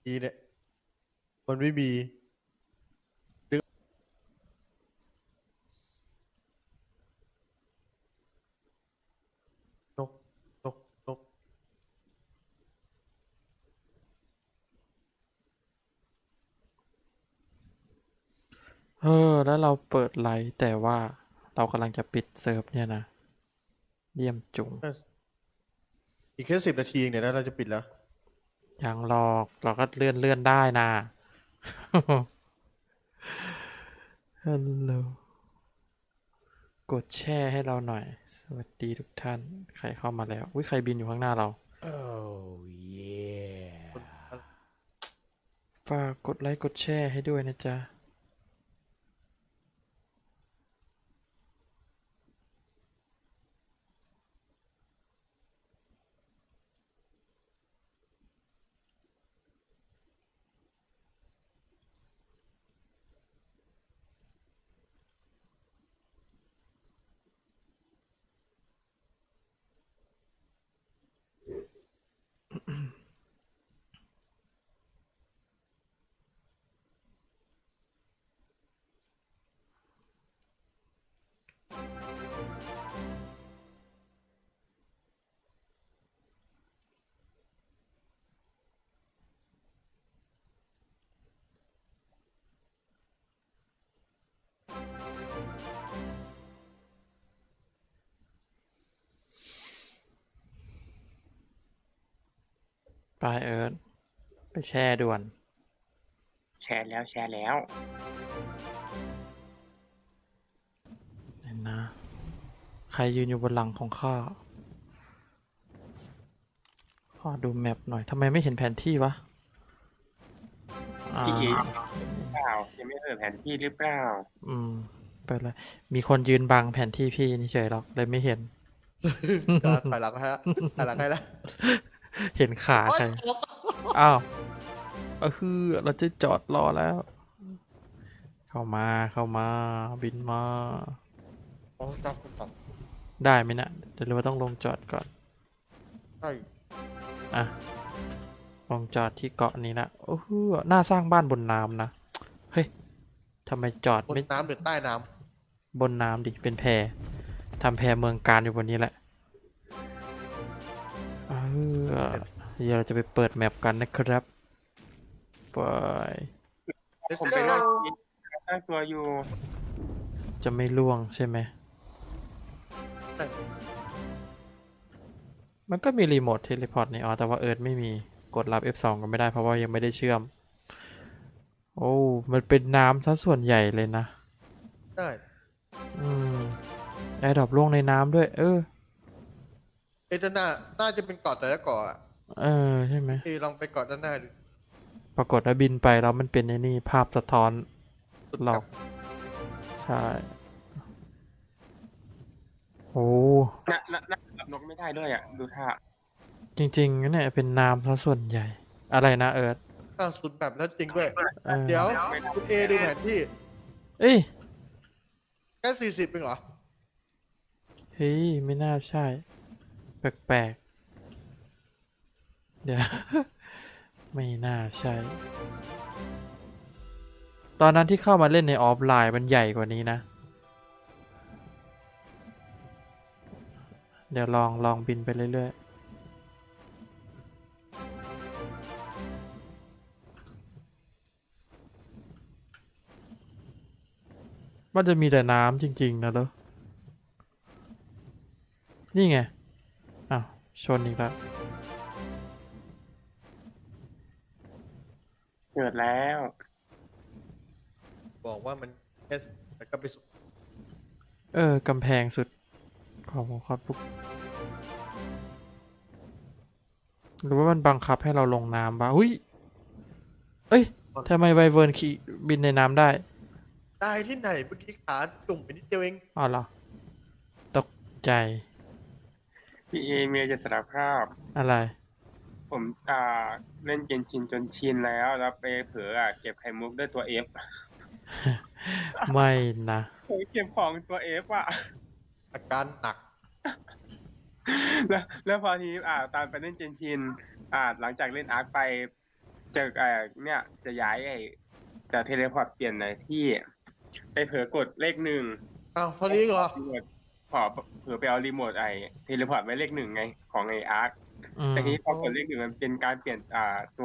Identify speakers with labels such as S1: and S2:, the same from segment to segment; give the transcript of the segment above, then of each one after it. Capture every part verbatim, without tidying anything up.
S1: ทีเนี่ยมันไม่มีนกนกนก
S2: เออแล้วเราเปิดไลฟ์แต่ว่าเรากำลังจะปิดเซิร์ฟเนี่ยนะเยี่ยมจุง
S1: น่าอีกแค่สิบนาทีเองเนี่ยแล้วเราจะปิดแล้ว
S2: ยังหรอกเราก็เลื่อนเลื่อนได้นะฮัลโหลกดแชร์ให้เราหน่อยสวัสดีทุกท่านใครเข้ามาแล้วอุ้ยใครบินอยู่ข้างหน้าเรา
S3: Oh yeah.
S1: คน
S2: ฝากกดไลค์กดแชร์ให้ด้วยนะจ๊ะไปเอิร์ธไปแชร์ด่วน
S4: แชร์แล้วแชร์แล้ว
S2: เห็นนะ ใครยืนอยู่บนหลังของข้าขอดูแมปหน่อยทำไมไม่เห็นแผนที่วะอ่า
S4: พี่เอหรือเปล่ายังไม่เปิดแผนที่หรือเปล่า
S2: อืมไปเลยมีคนยืนบังแผนที่พี่นี่เฉยหรอกเลยไม่เห็น
S1: การถอยหลังให้ละถอยหลังให้ละ
S2: เห็นขา
S1: โอ๊ย
S2: ใคร
S1: ตก
S2: อ้าวเออคือเราจะจอดรอแล้ว เข้ามาเข้ามาบินมา
S1: โอ้จับจับ
S2: ได้ไหมนะเดี๋ยวเราต้องลงจอดก่อน
S1: ใช่
S2: อ่ะลงจอดที่เกาะนี้ละโอ้โหน่าสร้างบ้านบนน้ำนะเฮ้ยทำไมจอด
S1: บน
S2: ไม่
S1: น้ำหรือใต้น้
S2: บนน้ำดิเป็นแพทำแพเมืองการอยู่บนนี้แหละเออเดี๋ยวเราจะไปเปิดแมปกันนะครับไป
S1: ำ Let's
S4: ผมไป
S1: go
S4: นั่งกินตั้งตัวอยู่
S2: จะไม่ล่วงใช่ไหมมันก็มีรีโมทเทเลพอร์ตนี่อ๋อแต่ว่าเอิร์ธไม่มีกดรับ เอฟ สอง ก็ไม่ได้เพราะว่ายังไม่ได้เชื่อมโอ้มันเป็นน้ำซะส่วนใหญ่เลยนะ
S1: ได้
S2: อืมแอร์ดรอปล่วงในน้ำด้วยเออ
S1: เอ้ยด้านหน้าน่าจะเป็นเกาะแต่ละเกาะอ่ะ
S2: เออใช่ไหม
S1: พี่ลองไปเกาะด้านหน้าดู
S2: ปรากฏว่าบินไปแล้วมันเป็นไอ้นี่ภาพสะท้อน
S1: สุด
S2: หลอก
S1: กับ
S2: ใช่โอ้
S4: น่าน่าน่ารับนกไม่ได้ด้วยอ่ะ ดูท่า
S2: จริงๆเนี่ยเป็นน้ำซะส่วนใหญ่อะไรนะเอิร์ธ
S1: อ้าวสุดแบบแล้วจริงด้วย
S2: เออ
S1: เดี๋ยว
S4: ไม่ได้
S1: คุณเอดูแผนที่
S2: เอ้ย
S1: แค่สี่สิบเองเหรอ
S2: เฮ้ยไม่น่าใช่แปลกๆเดี๋ยว ไม่น่าใช่ ตอนนั้นที่เข้ามาเล่นในออฟไลน์มันใหญ่กว่านี้นะ เดี๋ยวลองลองบินไปเรื่อยๆมันจะมีแต่น้ำจริงๆนะเหรอนี่ไงอ้าวชนอีกแล้ว
S4: เกิดแล้ว
S1: บอกว่ามันแค่แล้วก็ไปสุด
S2: เออกำแพงสุดของคอร์ดบุ๊กหรือว่ามันบังคับให้เราลงน้ำวะอุ้ยเอ้ยทำไมไวเวิร์นขี่บินในน้ำได้
S1: ได้ที่ไหนเมื่อกี้ขาจุ่มไปนิดเดียวเอง
S2: อ๋อเหรอตกใจ
S4: พี่เอเมียจะสารภาพ
S2: อะไร
S4: ผมอ่าเล่นเกมชินจนชินแล้ว แล้วไปเผลออ่ะเก็บไข่มุกด้วยตัวเอฟ
S2: ไม่นะ
S4: เผลอเก็บของตัวเอฟอ่ะ
S1: อาการหนัก
S4: แล้วแล้วพอทีนี้อ่าตามไปเล่นเจนชินอ่าหลังจากเล่นอาร์คไปจะเอ่อเนี่ยจะย้ายไอ้จะเทเลพอร์ตเปลี่ยนในที่ไปเผลอกดเลขหนึ่ง
S1: อ้าวเท่านี้เหรอ
S4: รีโมทขอเผลอไปเอารีโมทไอ้เทเลพอร์ตไว้เลขหนึ่งไงของไอ้อาร์ค
S2: อืม
S4: แต่ทีนี้พอกดเลขหนึ่งมันเป็นการเปลี่ยนอ่าตัว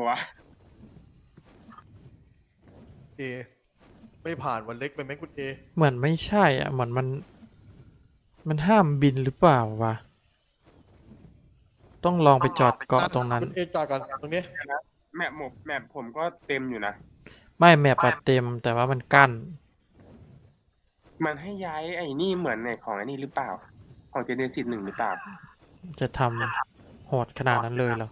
S1: เอไม่ผ่านวันเล็กไปไหมคุณเอ
S2: เหมือนไม่ใช่อ่ะเหมือนมัน มันห้ามบินหรือเปล่าวะ ต้องลองไปจอดเกาะตรงนั้น
S1: คุณเอจอดก่อนตรงนี้
S4: แมปหมกแมปผมก็เต็มอยู่นะ
S2: ไม่แมปอะเต็มแต่ว่ามันกั้น
S4: มันให้ย้ายไอ้นี่เหมือนในของไอ้นี่หรือเปล่า ของเจเนซิสหนึ่งหรือเปล่า
S2: จะทำโหดขนาดนั้นเลยเหรอ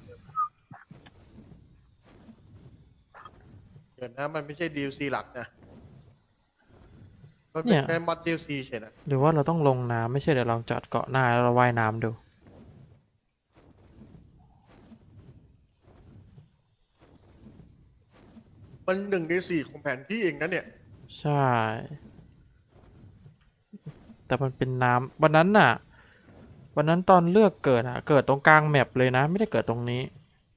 S1: เดี๋ยวนะมันไม่ใช่ดีลซีหลักนะมัน
S2: เนี่
S1: เป็น
S2: ย
S1: แค่มอดดีลซีเฉยนะ
S2: หรือว่าเราต้องลงน้ำไม่ใช่เดี๋ยวลองจอดเกาะหน้าแล้วเราว่ายน้ำดู
S1: มันหนึ่งในสี่ของแผนที่เองนะเนี่ย
S2: ใช่ แต่มันเป็นน้ำวันนั้นน่ะ วันนั้นตอนเลือกเกิดอะเกิดตรงกลางแมปเลยนะ ไม่ได้เกิดตรงนี้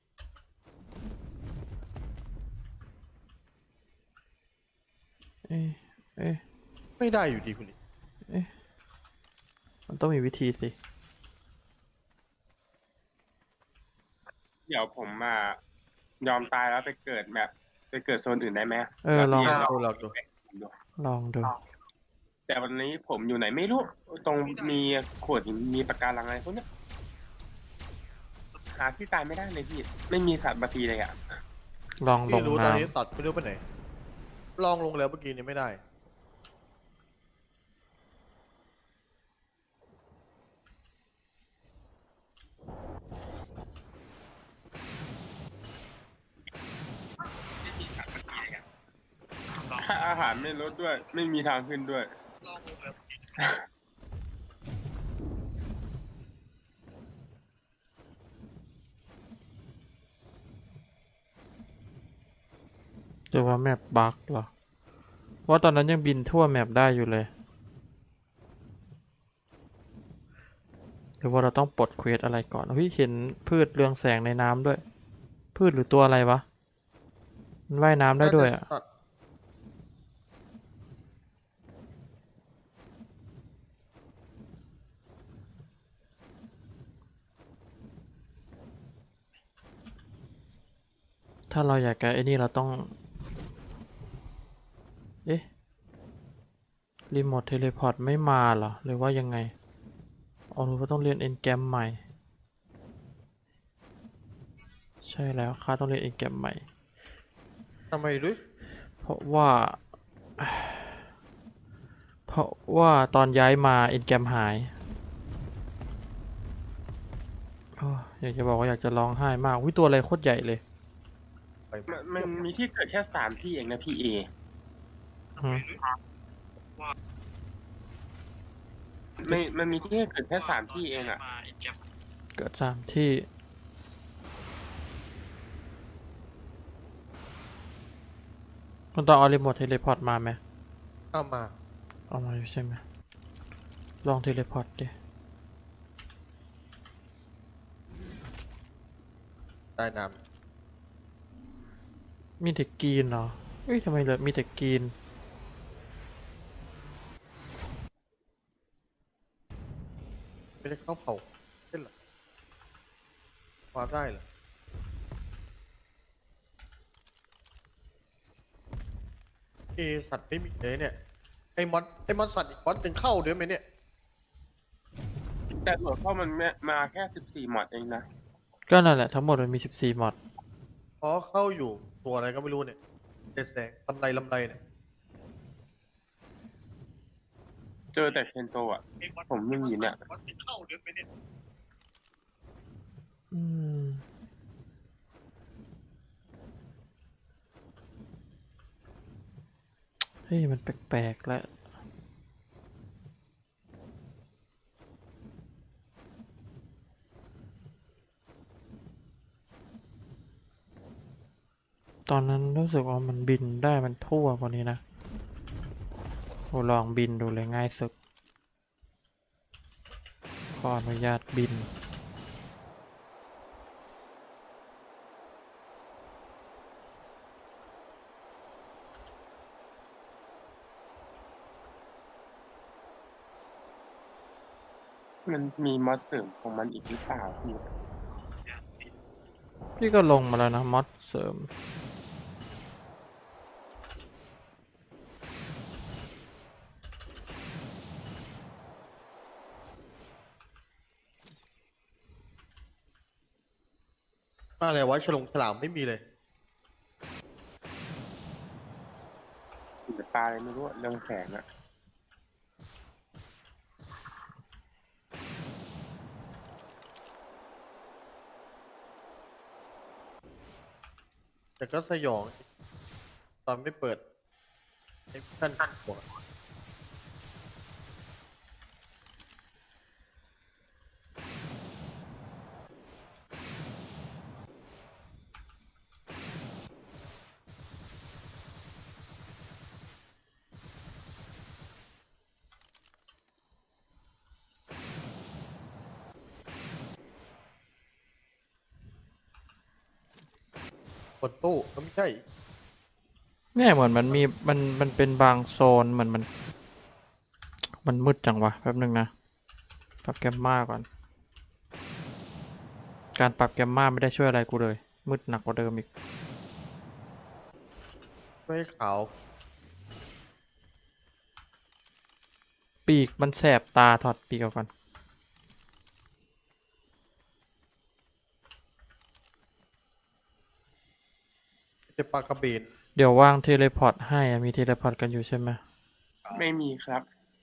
S2: เอ๊ะเอ๊ะ
S1: ไม่ได้อยู่ดีคุณเอ
S2: มันต้องมีวิธีสิ
S4: เดี๋ยวผมมายอมตายแล้วไปเกิดแมปไปเกิดโซนอื่นได้ไหม
S2: เออลอง
S1: ลองดูลองดู
S2: ลองดู
S4: แต่วันนี้ผมอยู่ไหนไม่รู้ ตรงมีขวดหินมีปะการังอะไรพวกเนี้ยหาที่ตายไม่ได้เลยพี่ ไม่มีสัตว์มาตีเลยอ่ะ
S2: ลองล
S1: พี่
S2: ง
S1: รู้ตอนนี้
S2: น้ำ
S1: สัตว์ไม่รู้ไปไหน ลองลงแล้วเมื่อกี้นี้ไม่ได้
S4: อาหารไม่ลดด้วย ไม่มีทางขึ้นด้วย
S2: หรือว่าแมปบั๊กเหรอ ว่าตอนนั้นยังบินทั่วแมปได้อยู่เลย หรือว่าเราต้องปลดเควสอะไรก่อนพี่เห็นพืชเรืองแสงในน้ำด้วย พืชหรือตัวอะไรวะ มันว่ายน้ำได้ด้วยอ่ะ
S1: สัตว์
S2: ถ้าเราอยากแกะไอ้นี่เราต้อง เอ๊ะ รีโมทเทเลพอร์ตไม่มาเหรอ หรือว่ายังไงอ๋อหรือว่าต้องเรียนเอนแกรมใหม่ ใช่แล้วข้าต้องเรียนเอนแกรมใหม่
S1: ทำไมด้วย
S2: เพราะว่า เพราะว่าตอนย้ายมาเอนแกรมหายโอ้ยอยากจะบอกว่าอยากจะร้องไห้มากวิตัวอะไรโคตรใหญ่เลย
S1: ไป
S4: มันมันมีที่เกิดแค่สามที่เองนะพี่เอ
S2: อืม
S4: ไม่มันมีที่เกิดแค่สามที่เองอ่ะ
S2: เกิดสามที่คุณต้องเอารีโมทเทเลพอร์ตมาไหม
S1: เอามา
S2: เอามาอยู่ใช่ไหมลองเทเลพอร์ตดิ
S1: ได้น้
S2: มีแต่กรีนเหรอเอ้ยทำไมเหลือมีแต่กรีน
S1: ำไม่ได้เข้าเผาเช่นหรอวาร์ปได้เหรอ เอสัตว์ไม่มีเลยเนี่ย ไอ้มอดไอ้มอดสัตว์อีกมอดหนึ่งเข้าด้วยไหมเนี่ย
S4: แต่หัวข้อมันมาแค่สิบสี่หมอดเองนะ
S2: ก็นั่นแหละทั้งหมดมันมีสิบสี่มอด
S1: อ๋อเข้าอยู่ตัวอะไรก็ไม่รู้เนี่ยเจ็ดแสงลำไรลำไรเนี่ย
S4: เจอแต่เคนโตอ่ะ ผมไม่มีเนี่ย
S1: มอดหนึ่งเข้าด้วยไหมเนี่ย
S2: อืมเฮ้ยมันแปลกๆแล้วตอนนั้นรู้สึกว่ามันบินได้มันทั่วกว่านี้นะโอ้ลองบินดูเลยง่ายสุดขออนุญาตบิน
S4: มันมีมอสเสริมของมันอีกหรือเปล่าพี่
S2: พี่ก็ลงมาแล้วนะมอดเสริม
S1: อะไรวะฉลองฉลามไม่มีเลย
S4: หรือปลาอะไรไม่รู้อะเรื่องแสงอะ
S1: แต่ก็สยองตอนไม่เปิดไอ้ขั้นหัว บนตู้ก็ไม่ใช่
S2: เนี่ยเหมือนมันมีมันมันเป็นบางโซนเหมือนมัน มันมืดจังวะแป๊บนึงนะ ปรับแกมมาก่อน การปรับแกมมาไม่ได้ช่วยอะไรกูเลย มืดหนักกว่าเดิมอีก
S1: ไม่ขาว
S2: ปีกมันแสบตาถอดปีกออกก่อน
S1: จะปลากระเบน
S2: เดี๋ยววางเทเลพอร์ตให้อะมีเทเลพอร์ตกันอยู่ใช่ไหม
S4: ไม่มีครับ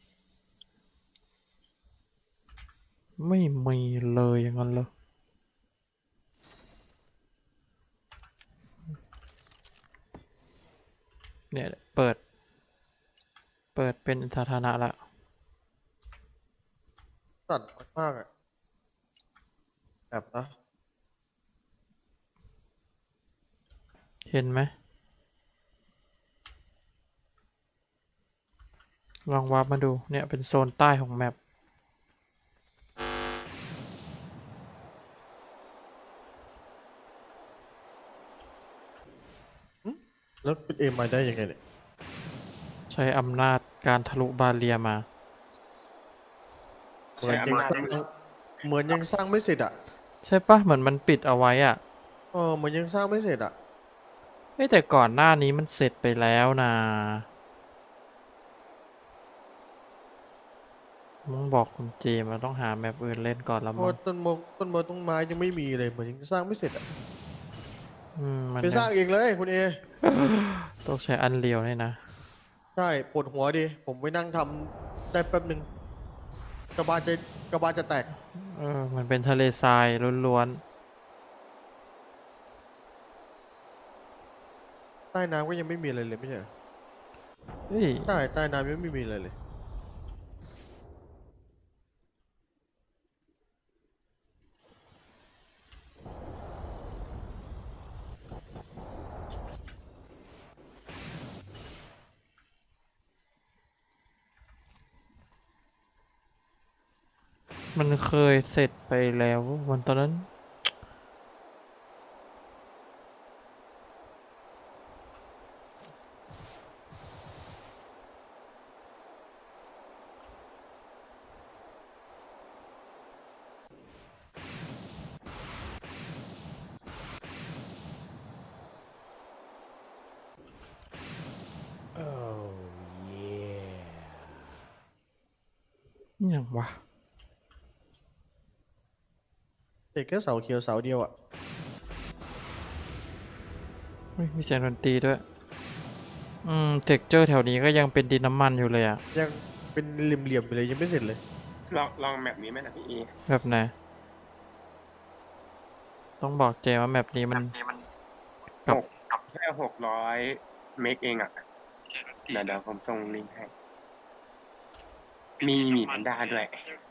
S2: ไม่มีเลยอย่างนั้นเลยเนี่ยเปิด เปิดเป็นสาธารณะละ
S1: สั่นมากๆอ่ะแบบนะ
S2: เห็นไหม ลองวาร์ปมาดู เนี่ยเป็นโซนใต้ของแมป
S1: แล้วเป็นเอ็มมาได้ยังไงเนี่ย
S2: ใช้อำนาจการทะลุบาเรียมา
S1: เหมือนยังสร้างเหมือนยังสร้างไม่เสร็จอ่ะ
S2: ใช่ปะเหมือนมันปิดเอาไว้อ่ะ
S1: เออเหมือนยังสร้างไม่เสร็จอ่ะ
S2: เฮ้ยแต่ก่อนหน้านี้มันเสร็จไปแล้วนะมึงบอกคุณเจมันต้องหาแมปอื่นเล่นก่อนละ
S1: เพ
S2: มั้
S1: ราะ
S2: ง
S1: ว่าต้นมงต้นมงต้นไม้ยังไม่มีเลยเหมือนยังสร้างไม่เสร็จอ่ะ
S2: อืมมัน
S1: ไปสร้างเองเลยคุณเอ
S2: ต้องใช้อันเรียวนี่นะ
S1: ใช่ปวดหัวดิผมไปนั่งทำได้แป๊บหนึ่งกระบาลจะกระบาลจะแตก
S2: เออ มันเป็นทะเลทรายล้วน
S1: ใต้น้ำก็ยังไม่มีอะไรเลยไม่ใช่เหรอ
S2: ๆเฮ้ย
S1: ใช่ใต้น้ำยังไม่มีอะไรเลย
S2: มันเคยเสร็จไปแล้ววันตอนนั้น
S3: Oh, yeah.
S2: อย่างวะ
S1: เด็กแค่เสาเขียวเสาเดียวอ่ะ
S2: เฮ้ยมีเสียงดนตรีด้วย อืมเท็กเจอร์แถวนี้ก็ยังเป็นดินน้ำมันอยู่เลยอะ
S1: ยังเป็นเหลี่ยมๆอยู่เลยยังไม่เสร็จเลย
S4: ลองลองแมปนี้ไหมนะพี่เอ
S2: แบบไหน ต้องบอกเจว่าแมปนี้มัน
S4: หกแค่หกร้อยเมกเองอ่ะเดี๋ยวเดี๋ยวผมส่งลิงก์ให้ มีหมีแพนด้าด้วย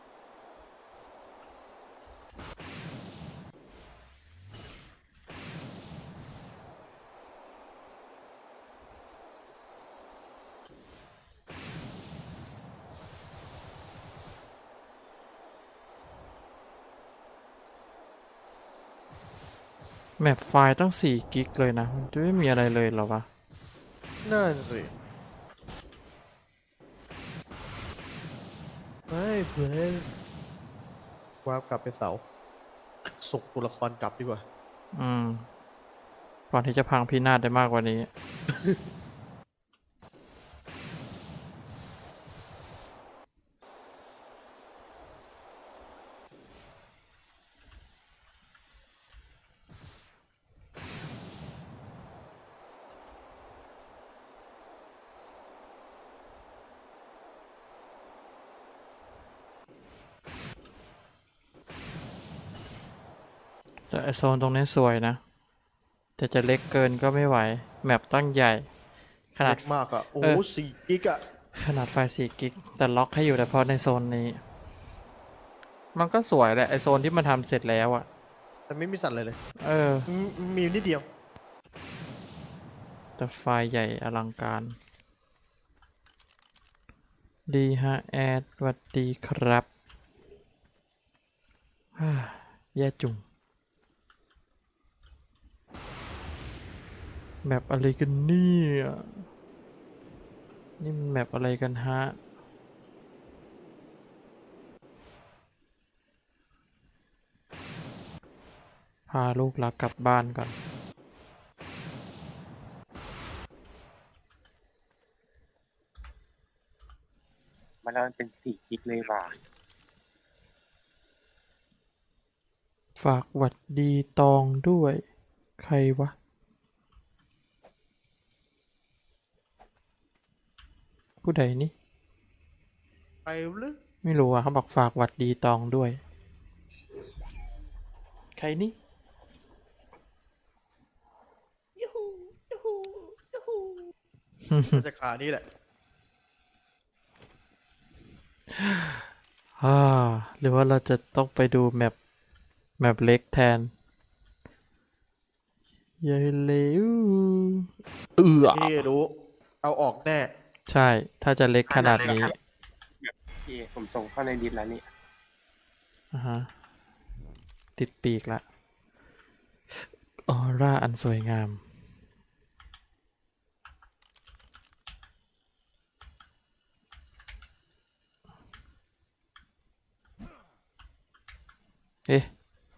S2: แมปไฟล์ตั้งสี่กิกเลยนะ มันจะไม่มีอะไรเลยเหรอวะ
S1: นั่นสิไม่เพื่อนว่าร์ปกลับไปเสาส่งตัวละครกลับดีกว่า
S2: อืม ก่อนที่จะพังพินาศได้มากกว่านี้ แต่ไอโซนตรงนี้สวยนะ แต่จะเล็กเกินก็ไม่ไหว แมปตั้งใหญ่ ขนา
S1: เล็
S2: ด
S1: กมากอ่ะ โอ้
S2: เออ
S1: สี่กิกอ่ะ
S2: ขนาดไฟสี่กิก แต่ล็อกให้อยู่แต่เพราะในโซนนี้ มันก็สวยแหละไอโซนที่มันทำเสร็จแล้วอะ
S1: แต่ไม่มีสัตว์เลยเลย
S2: เออ
S1: มมีนิดเดียว
S2: แต่ไฟล์ใหญ่อลังการ ดีฮะแอดสวัสดีครับ ฮ่าแย่จุงแมปอะไรกันเนี่ยนี่มันแมปอะไรกันฮะ พาลูกหลักกลับบ้านก่อน
S4: มันแล้วมันเป็นสี่กิกเลยว่ะ
S2: ฝากหวัดดีตองด้วย ใครวะ ผู้ใดนี่
S1: ไปหรือ
S2: ไม่รู้อ่ะเขาบอกฝากหวัดดีตองด้วย ใครนี่
S1: น่าจะขานี้แหละ
S2: อ่าหรือว่าเราจะต้องไปดูแมปแมปเล็กแทนยายเลวเอือ
S1: นี่รู้ เอาออกแน่
S2: ใช่ ถ้าจะเล็กขนาดนี้
S4: แบบพี่ผมส่งเข้าในดิสแล้วนี่
S2: อ่าฮะ ติดปีกละ ออร่าอันสวยงาม เอ๊ะ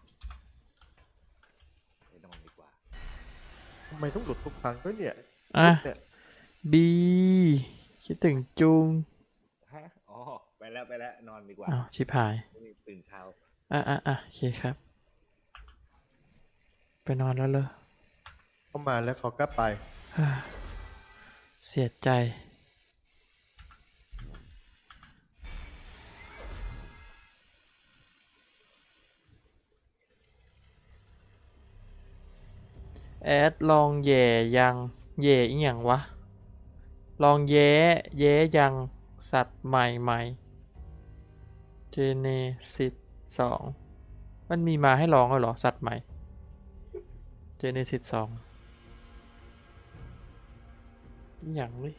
S3: ไปนอนดีกว่า
S1: ทำไมต้องหลุดทุกครั้งด้วยเนี่ย
S2: อ่ะ
S1: เนี่ย
S2: บี คิดถึงจุง
S3: ฮะ อ๋อ ไปแล้วไปแล้ว นอนดีกว่า
S2: อ้าว ชิบหาย
S3: ตื่นเช้า
S2: อ่ะอ่ะอ่ะโอเคครับ ไปนอนแล้วเลย
S1: เข้ามาแล้วเขาก็ไป
S2: เสียใจ แอดลองแย่ยังแย่อีหยังวะ ลองแย้แย้ยังสัตว์ใหม่ใหม่เจเนซิสสองมันมีมาให้ลองแล้วเหรอ สัตว์ใหม่เจเนซิสสองอหย่างเลย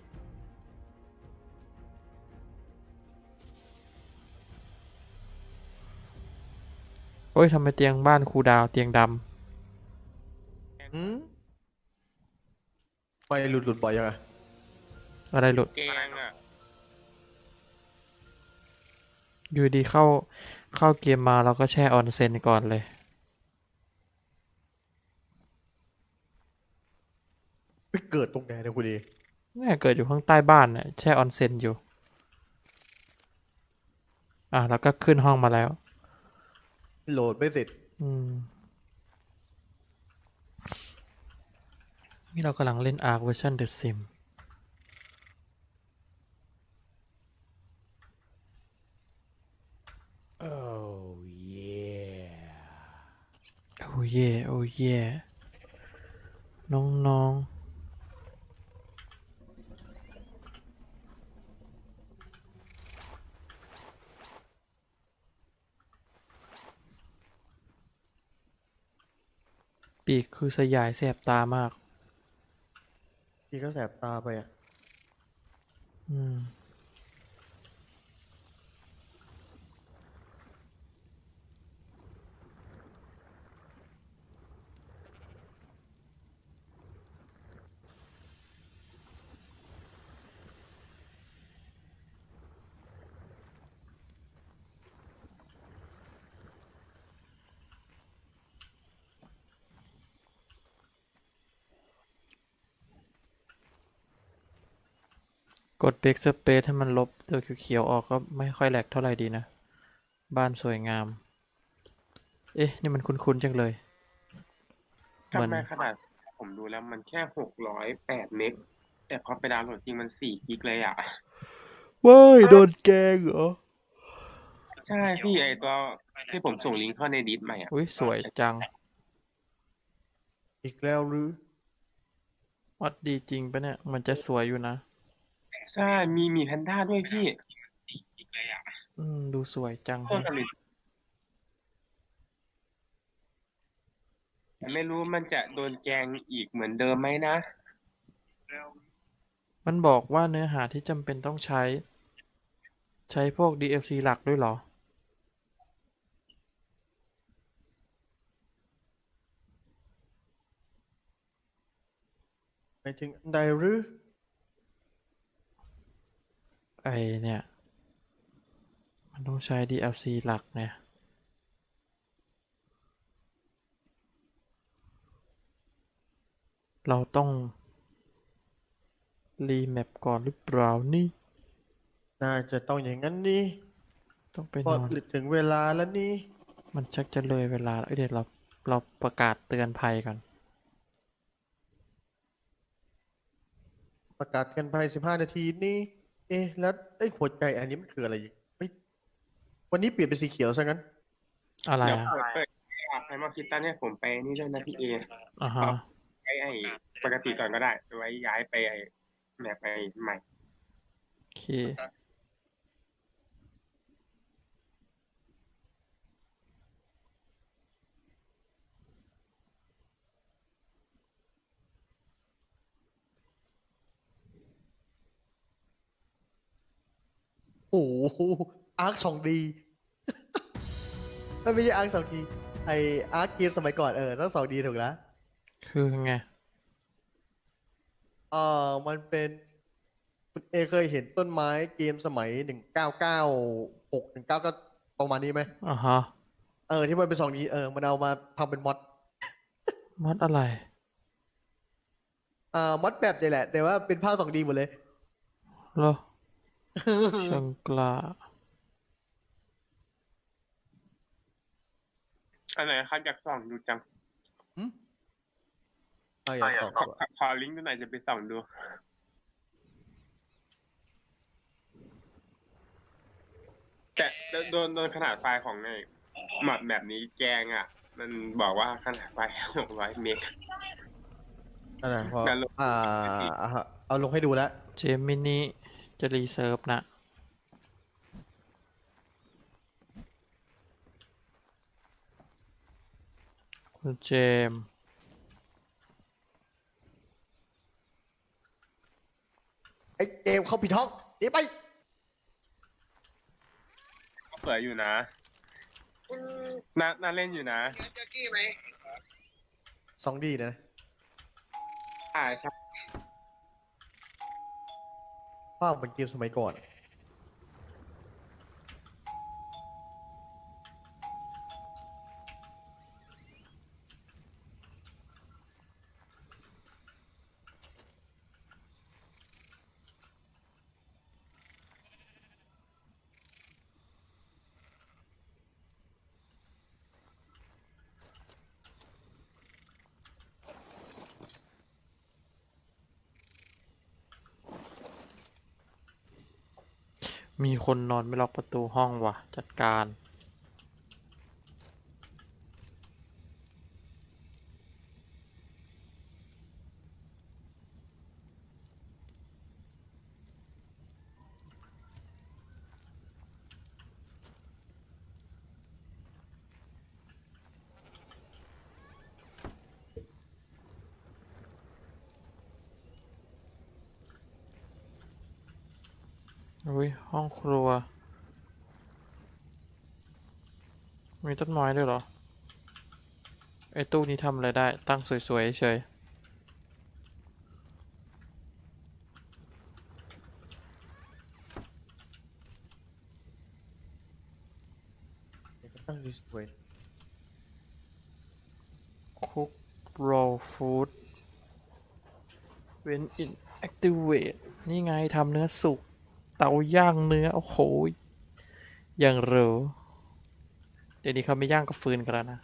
S2: โอ้ยทำไมเตียงบ้านครูดาวเตียงด
S1: อืมไปหลุดหลุดบ่อยยังไง
S2: ำอะไรหลุด
S4: เกงอ่ะ
S2: อยู่ดีเข้าเข้าเกมมาเราก็แช่ออนเซ็นก่อนเลย
S1: ไปเกิดตรงไหนเนี่ยคุณดี
S2: แม่เกิดอยู่ข้างใต้บ้านน่ะแช่ออนเซ็นอยู่ อ่ะแล้วก็ขึ้นห้องมาแล้ว
S1: โหลดไม่เสร็จ
S2: อืม นี่เรากำลังเล่น Ark Version The Sim
S3: Oh yeah
S2: โอ้เย่โอ้เย่น้องๆ ปีกคือสยายแสบตามาก
S1: ที่เขาแสบตาไปอ่ะ
S2: อืมกด Backspace ให้มันลบตัวเขียวๆออกก็ไม่ค่อยแหลกเท่าไหร่ดีนะ บ้านสวยงาม เอ๊ะ นี่มันคุ้นๆจังเลย เหมือน
S4: ทำไมขนาดผมดูแล้วมันแค่หกร้อยแปดเมกแต่พอไปดาวน์โหลดจริงมันสี่กิกเลยอ่ะ
S2: ว้ายโดนแกงเหรอ
S4: ใช่พี่ไอตัวที่ผมส่งลิงก์เข้าในดิสใหม่อ่ะ
S2: อุ้ยสวยจัง
S1: อีกแล้วหรือ
S2: วัดดีจริงปะเนี่ย มันจะสวยอยู่นะ
S4: ใช่มีมีแพนด้าด้วยพี่
S2: อืม ดูสวยจัง
S4: เพิ่มกันเลยแต่ไม่รู้มันจะโดนแกงอีกเหมือนเดิมไหมนะ
S2: มันบอกว่าเนื้อหาที่จำเป็นต้องใช้ ใช้พวก ดี แอล ซี หลักด้วยเหรอ
S1: หมายถึงอันใดหรือ
S2: ไอเนี่ย มันต้องใช้ ดี แอล ซี หลักเนี่ย เราต้องรีแมปก่อนหรือเปล่านี่
S1: น่าจะต้องอย่างนั้นนี่
S2: ต้องไป
S1: พอน
S2: อน
S1: ถึงเวลาแล้วนี่
S2: มันชักจะเลยเวลาแล้วเอ้ยเดี๋ยวเราเราประกาศเตือนภัยก่อน
S1: ประกาศกันภายสิบห้านาทีนี่ เอ๊ะ แล้วไอ้หัวใจอันนี้มันคืออะไรอีกเฮ้ยวันนี้เปลี่ยนเป็นสีเขียวซะงั้น
S2: อะไร
S4: เดี๋ยว
S2: อ่ะ
S4: เปิดเปิดไฟมาคิดตันเนี่ยผมไปนี่ด้วยนะพี่เอ
S2: อ่าฮะ
S4: ไอ้ไอ้ปกติก่อนก็ได้ไว้ย้ายไปไอ้แมปไปใหม่
S2: โอเค
S1: โอ้โหอาร์คสองดี ไม่ใช่อาร์คสองดีไออาร์คเกมสมัยก่อนเออต้องสองดีถูกแล้ว
S2: คือไง
S1: เออมันเป็นคุณเอเคยเห็นต้นไม้เกมสมัยหนึ่งเก้าเก้าหกหนึ่งเก้าก็ประมาณนี้ไหม
S2: อ่าฮะ
S1: เออที่มันเป็นสองดีเออมันเอามาทำเป็นมอด
S2: มอดอะไร
S1: อ่ามอดแบบนี่แหละ แต่ว่าเป็นภาคสองดีหมดเลย
S2: เหรอ ช่างกล้า
S4: อันไหนครับอยากส่องดูจัง
S1: หึเอาอย่างต่อ
S4: ขอขอขอลิงก์ดูหน่อยจะไปส่องดู แต่โดนโดนขนาดไฟล์ของไอ้หมัดแบบนี้แกงอ่ะ มันบอกว่าขนาดไฟล์หกร้อยเมก
S1: นั่นนะพอ
S4: นั่นลง
S1: อ่าอ่าเอาลงให้ดูแล้ว
S2: เจมินิจะรีเซิร์ฟนะ คุณเจมส์
S1: ไอ้เกมเขาผิดห้องหนีไป
S4: สวยอยู่นะน่าน่าเล่นอยู่นะ
S1: สองดีนะ
S4: อ่าใช่
S1: ภาพเหมือนเกมสมัยก่อน
S2: มีคนนอนไม่ล็อกประตูห้องว่ะ จัดการ อุ้ย ห้องครัว มีต้นไม้ด้วยเหรอ ไอ้ตู้นี้ทำอะไรได้ ตั้งสวยๆเฉย
S1: เดี๋ยวก็ตั้งดิสเพลย์
S2: Cook raw food when in activate นี่ไงทำเนื้อสุก เตาย่างเนื้อ โอ้โหอย่างเหรอเดี๋ยวนี้เขาไม่ย่างกับฟืนกันแล้วนะ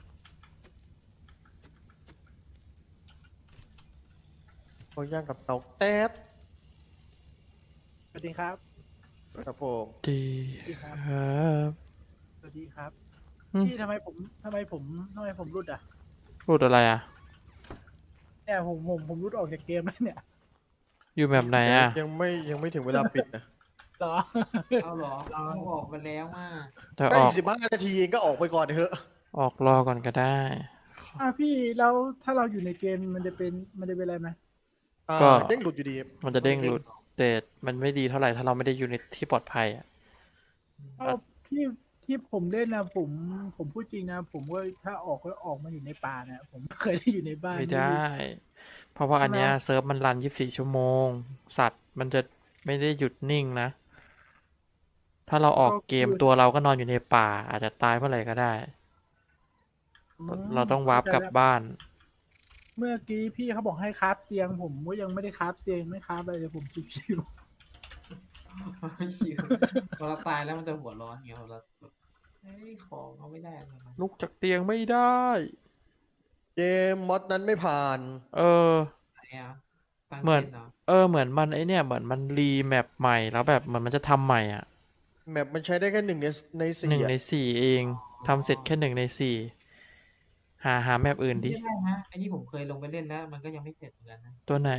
S1: เขาย่างกับเตาแต๊ด
S5: สวัสดีครับ
S1: ครับผม
S2: ดีครับ
S5: สวัสดีครับ
S2: อืม
S5: พี่ทำไมผมทำไมผมทำไมผมรุดอ่ะ
S2: พูดอะไรอ่ะ
S5: เนี่ยผมผมผมรุดออกจากเกมแล้วเนี่ย
S2: อยู่แบบไหนอ่ะ
S1: ยังไม่ยังไม่ถึงเวลาปิดนะ
S5: เหรอ
S6: เอาเหรอเราออกมาแล้วอ่ะ
S2: แต่
S1: ใก
S2: อ
S1: ล้
S2: อก
S1: สิบห้านาทีเองก็ออกไปก่อนเถอะ
S2: ออกรอก่อนก็ได้
S5: อ่ะพี่แล้วถ้าเราอยู่ในเกมมันจะเป็นมันจะเป็นอะไรไหม
S1: อ่า
S2: ก็
S1: เด้งหลุดอยู่ดี
S2: มันจะเด้งหลุด แต่มันไม่ดีเท่าไหร่ถ้าเราไม่ได้อยู่ในที่ปลอดภัยอ่ะ
S5: เอาพี่ที่ผมเล่นนะผมผมพูดจริงนะผมว่าถ้าออกก็ออกมาอยู่ในป่านะผมไม่เคยได้อยู่ในบ้าน
S2: ไม่ได้ เพราะว่าอันเนี้ยเซิร์ฟมันรันยี่สิบสี่ชั่วโมง สัตว์มันจะไม่ได้หยุดนิ่งนะ ถ้าเราออกเกมตัวเราก็นอนอยู่ในป่า อาจจะตายเมื่อไหร่ก็ได้
S5: อืม
S2: เราต้องวาร์ปกลับบ้าน
S5: เมื่อกี้พี่เขาบอกให้คราฟเตียง ผมก็ยังไม่ได้คราฟเตียงไม่คราฟอะไรเลยผมชิว
S6: ไม่ชิวพอเราตายแล้วมันจะหัวร้อนไงเราแบบเฮ้ยของเอาไม่ได้อะไรมา
S2: ลุกจากเตียงไม่ได้
S1: เกมมอดนั้นไม่ผ่าน
S2: เออ
S6: ไหนอ่ะตั้ง
S2: เหมือน
S6: ต้นเหรอ
S2: เออ เหมือนมันไอเนี่ย เหมือนมันรีแมปใหม่แล้วแบบเหมือนมันจะทำใหม่อ่ะ
S1: แมปมันใช้ได้แค่หนึ่งในในสี่
S2: หนึ่ง
S1: อะ
S2: ในสี่เองทำเสร็จแค่หนึ่งในสี่หาหาแมปอื่นดิ
S6: ไม่ได้นะไอ้นี่ผมเคยลงไปเล่นแล้ว มันก็ยังไม่เสร็จเหมือนกันนะ
S2: ตัวไหน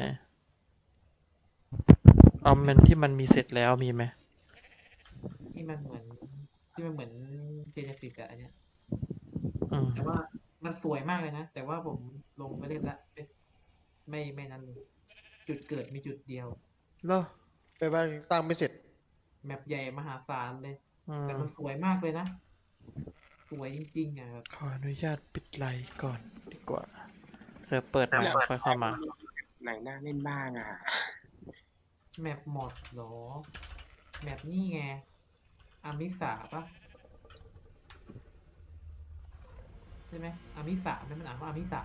S2: เอามันที่มันมีเสร็จแล้วมีไหม
S6: ที่มันเหมือนที่มันเหมือนเจเนซิสอะอันเนี้ย
S2: อืม
S6: แต่ว่ามันสวยมากเลยนะ แต่ว่าผมลงไปเล่นแล้วไม่ไม่ไม่นั้นเลยจุดเกิดมีจุดเดียว
S2: เหรอ
S1: ไปบ้างตั้งไม่เสร็จ
S6: แมปใหญ่มหาศาลเลย
S2: อืม
S6: แต่มันสวยมากเลยนะ สวยจริงๆอ่ะแบบ
S2: ขออนุญาตปิดไลน์ก่อนดีกว่า เซิร์ฟเปิดใหม่ค่อยเข้ามา
S4: ไหนน่าเล่นบ้างอ่ะ
S6: แมปหมดเหรอ แมปนี่ไง อามิสาปะใช่ไหมอามิสานั่นมันอ่านว่าอามิสา